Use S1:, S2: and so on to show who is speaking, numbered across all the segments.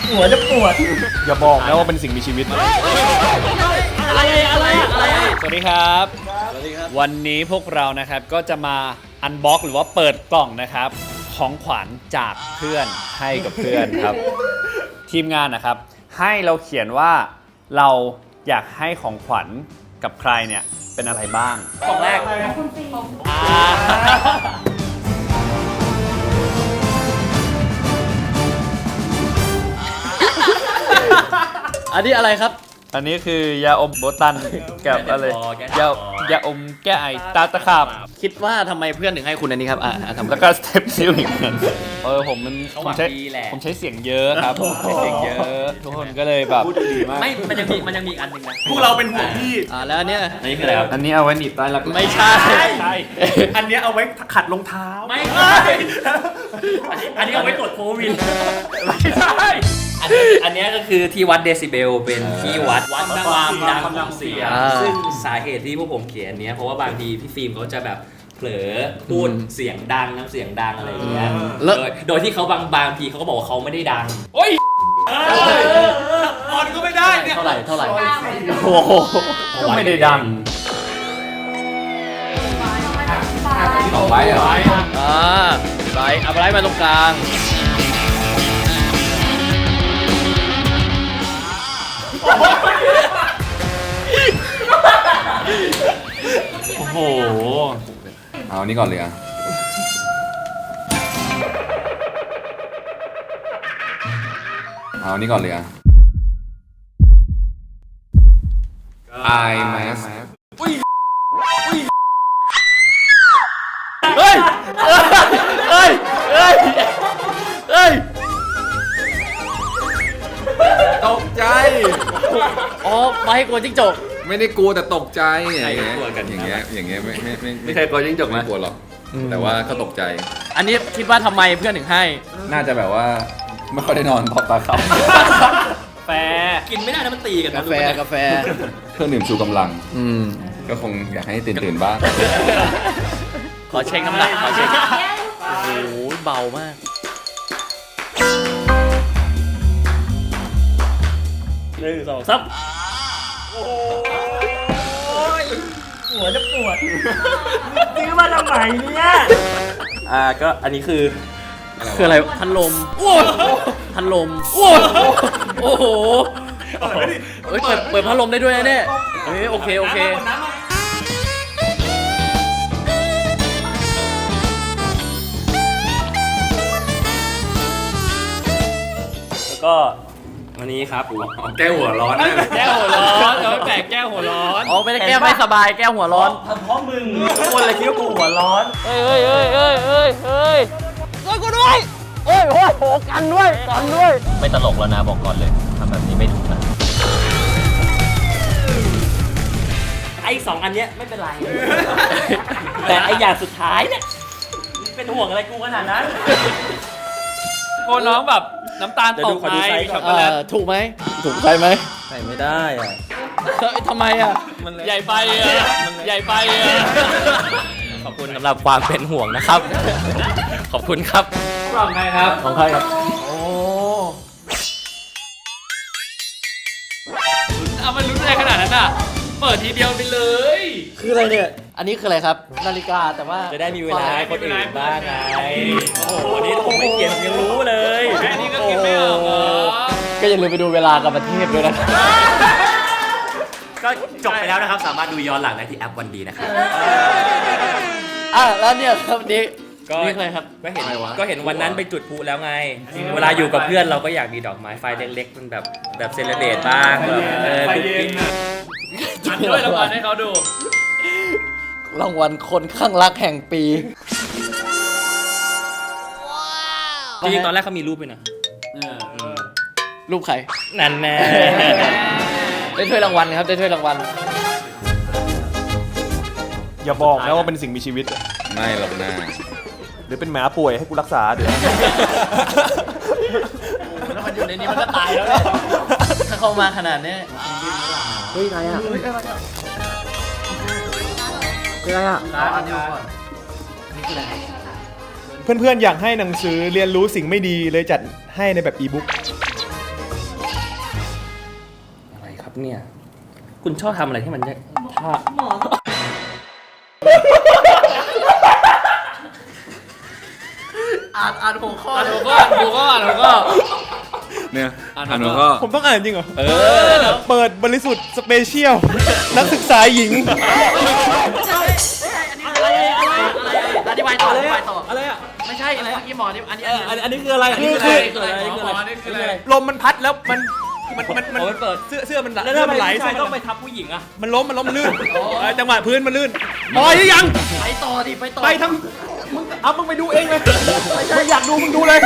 S1: หัวจะปวด
S2: อย่าบอกนะว่าเป็นสิ่งมีชีวิต
S1: อะไร
S2: สวัสดีครับวันนี้พวกเรานะครับก็จะมาอันบ็อกหรือว่าเปิดกล่องนะครับของขวัญจากเพื่อนให้กับเพื่อนครับ ทีมงานนะครับให้เราเขียนว่าเราอยากให้ของขวัญกับใครเนี่ยเป็นอะไรบ้าง
S1: กล่องแรกอันนี้อะไรครับ
S2: อันนี้คือยาอมโบตันกับอะไรยาอมแก้ไอตาตะขาบ
S1: คิดว่าทำไมเพื่อนถึงให้คุณอันนี้ครับทำ
S2: แล้วก็สเต็ปซิลอีกผมใช้เสียงเยอะครับใช้เสียงเยอะทุกคนก็เลยแบบ
S1: ไม่มันยังมีอีกอันหนึ่งนะ
S3: พวกเราเป็นห่วงพี่
S1: แล้วอันนี้คืออะไรครับ
S2: อันนี้เอาไว้หนีบใต้หลัง
S1: ไม่ใช่
S3: อันนี้เอาไว้ขัดรองเท้า
S1: ไม่ใช่อันนี้เอาไว้ตรวจโควิด
S3: ไม่ใช่
S1: อันนี้ก็คือที่วัดเดซิเบลเป็นที่วัดความดังของเสียงซึ่งสาเหตุที่พวกผมเขียนเนี้ยเพราะว่าบางทีพี่ฟิล์มเขาจะแบบเผลอพูดเสียงดังน้ำเสียงดังอะไรอย่างเงี้ยโดยที่เขาบางทีเขาก็บอกว่าเขาไม่ได้ดัง
S3: โอ้ยอ่อนก็ไม่ได้เนี่ย
S1: เท่าไหร่
S2: โอ้โหก็ไม่ได้ดัง
S1: ต่อไปไบเอาไบมาตรงกลาง
S2: โอ้โห
S4: เอานี่ก่อนเลยอ่ะเอานี่ก่อนเลยอ่ะไอแมส
S2: เฮ้ย
S4: ตกใจ
S1: อ๋อมาให้กลัวจิ้งจก
S4: ไม่ได้กลัวแต่ตกใจ
S1: อย่างเงี้ย
S4: อย่างเงี้ย
S2: ไม่เคยกลัวจิ้งจกนะ
S4: กลัวหรอกแต่ว่าเขาตกใจ
S1: อันนี้คิดว่าทำไมเพื่อนถึงให้
S4: น่าจะแบบว่าไม่ค่อยได้นอนเพราะตาเขา
S2: แฟ
S1: กินไม่ได้นะมันตีกัน
S2: กาแฟ
S4: เครื่องดื่มชูกำลังก็คงอยากให้ตื่นบ้าง
S1: ขอเช็คน้ำหนักขอเช็คโอ้โหเบามาก1 2 3
S3: โอ้ยหัวจะปวดซื้อมาทำไมเนี่ย
S1: ก็อันนี้คืออะไรพัดลมพัดลมโอ้โหเปิดพัดลมได้ด้วยนะเนี่ยโอเคแล้วก็วันนี้ครับ
S4: แก้หัวร้อน
S2: แก้หัวร้อนเอาไปแปะแก้หัวร้อน
S1: ไม่ได้แก้ไม่สบายแก้หัวร้อน
S3: เพราะมึงคนเลยคิดว่ากูหัวร้อน
S1: เฮ้ยช่วยกูด้วยโอ้โหกันด้วยไม่ตลกแล้วนะบอกก่อนเลยทำแบบนี้ไม่ถูกนะไอ้2อันเนี้ยไม่เป็นไรแต่ไอ้อย่างสุดท้ายเนี่ยเป็นห่วงอะไรกูขนาดนั้น
S2: โอ้น้องแบบน้ำตาลตกไหมช็อกโกแลต
S1: ถูกไหมถูกใจไหมใส่ไม่ได้ทำไม
S2: มันใหญ่ไป
S1: ขอบคุณสำหรับความเป็นห่วงนะครับขอบคุณครับ
S2: ของใครครับ
S1: ของใครครับ
S2: โอ้เอามันลุ้นอะไรขนาดนั้นอ่ะเปิดทีเดียวไปเลย
S1: คืออะไรเนี่ยอันนี้คืออะไรครับนาฬิกาแต่ว่าจะได้มีเวลาให้คนอื่นบ้างไงโอ้โหวันนี้ผมไม่เขียนยังรู้เลย
S2: แค่นี้ก็คิดไม่ออก
S1: ก็อย่าลืมไปดูเวลากับประเทศด้วยนะก็จบไปแล้วนะครับสามารถดูย้อนหลังได้ที่แอปวันดีนะครับแล้วเนี่ยครับนี่อะไรครับก็เห็นวันนั้นไปจุดพลุแล้วไงเวลาอยู่กับเพื่อนเราก็อยากมีดอกไม้ไฟเล็กๆเป็นแบบเซเลบเรตบ้าง
S2: ไฟเย็นจัดด้วยรางวัลให้เขาดู
S1: รางวัลคนข้างรักแห่งปีจริงๆตอนแรกเขามีรูปด้วยนะรูปใครนั่นแน่ได้ถ้วยรางวัลครับได้ถ้วยรางวัล
S2: อย่าบอกนะว่าเป็นสิ่งมีชีวิต
S4: ไม่หรอกนะ
S2: หรือเป็นหมาป่วยให้กูรักษาเดี๋ยว
S1: ถ้ามันอยู่ในนี้มันก็ตายแล้วเนี่ยถ้าเข้ามาขนาดนี้เฮ้ยอะไรอ่ะ
S2: เพื่อนๆอยากให้หนังสือเรียนรู้สิ่งไม่ดีเลยจัดให้ในแบบอีบุ๊ก
S1: เนี่ยคุณชอบทำอะไรที่มันท่า
S3: หมอ
S1: อ่านหัวข้อหัวข้อ
S4: เนี่ย
S1: อ่าน
S4: อ่าน
S1: หั
S4: หั
S1: ว
S4: ว
S1: ข้
S4: ข้
S1: อ
S4: อ
S5: ผมต้องอ่านจริงเหรอ เปิดบริสุทธิ์สเปเชียล นักศึกษาหญิง
S1: อธิบายต่ออธิบายต่อ
S5: อะไรอ่ะ
S1: ไม่ใช่อะไรเมื่อกี้หมอนี่อันนี้
S5: อันนี้คืออะไร อันนี้คืออะไรลมมันพัดแล้วมันเปิดเสื้อมันไหล
S3: แล้ว
S5: เสื้
S3: ทำ
S5: อ
S3: ไม
S5: มันไหล
S3: ผู้ชายต้องไปทับผู้หญิงอะ
S5: มันล้มลื่นจังหวะพื้นมันลื่นพอหรือยัง
S1: ไปต่อดิไปต่อ
S5: ไปทั้งมึงไปดูเองเลยมึงอยากดูมึงดูเลย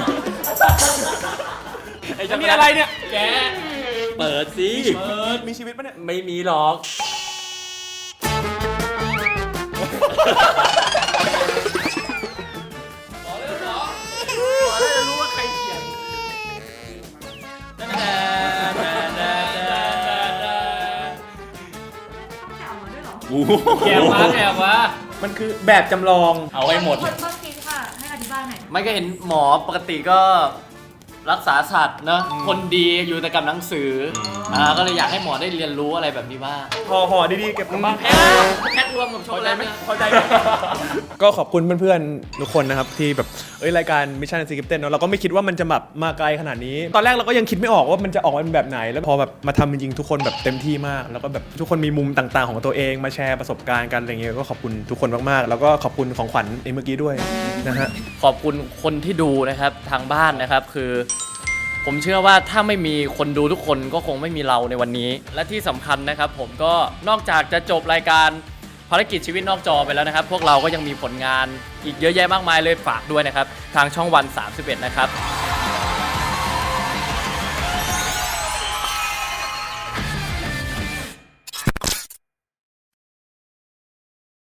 S5: อันนี้อะไรเนี่ย
S1: แกเปิดสิ
S5: มีชีวิตปะเนี่ย
S1: ไม่มีหรอก
S2: แอบมา
S5: มันคือแบบจำลอง
S1: เอาไว้หมด
S6: คนต้นคิดค่ะ ให้อธิบายหน่อย
S1: ไม่ก็เห็นหมอปกติก็รักษาสัตว์เนอะคนดีอยู่แต่กับหนังสือก็เลยอยากให้หมอได้เรียนรู้อะไรแบบนี้บ้าง
S5: ห่อดีๆเก็บกลับบ้าน
S1: แพ็ครวมกับช็อกโกแลตไหม
S5: พอใจไหมก็ขอบคุณเพื่อนๆทุกคนนะครับที่แบบรายการ Mission Secret เนาะเราก็ไม่คิดว่ามันจะแบบมาไกลขนาดนี้ ตอนแรกเราก็ยังคิดไม่ออกว่ามันจะออกมาเป็นแบบไหน แล้วพอแบบมาทำจริงๆทุกคนแบบเต็มที่มาก แล้วก็แบบทุกคนมีมุมต่างๆของตัวเองมาแชร์ประสบการณ์กันอะไรเงี้ยก็ขอบคุณทุกคนมากๆแล้วก็ขอบคุณของขวัญเมื่อกี้ด้วยนะฮะ
S1: ขอบคุณคนที่ดูนะครับทางบ้านนะครับคือ ผมเชื่อว่าถ้าไม่มีคนดูทุกคนก็คงไม่มีเราในวันนี้ และที่สำคัญนะครับผมก็นอกจากจะจบรายการภารกิจชีวิตนอกจอไปแล้วนะครับ พวกเราก็ยังมีผลงานอีกเยอะแยะมากมายเลยฝากด้วยนะครับทางช่องวัน 31 นะครับ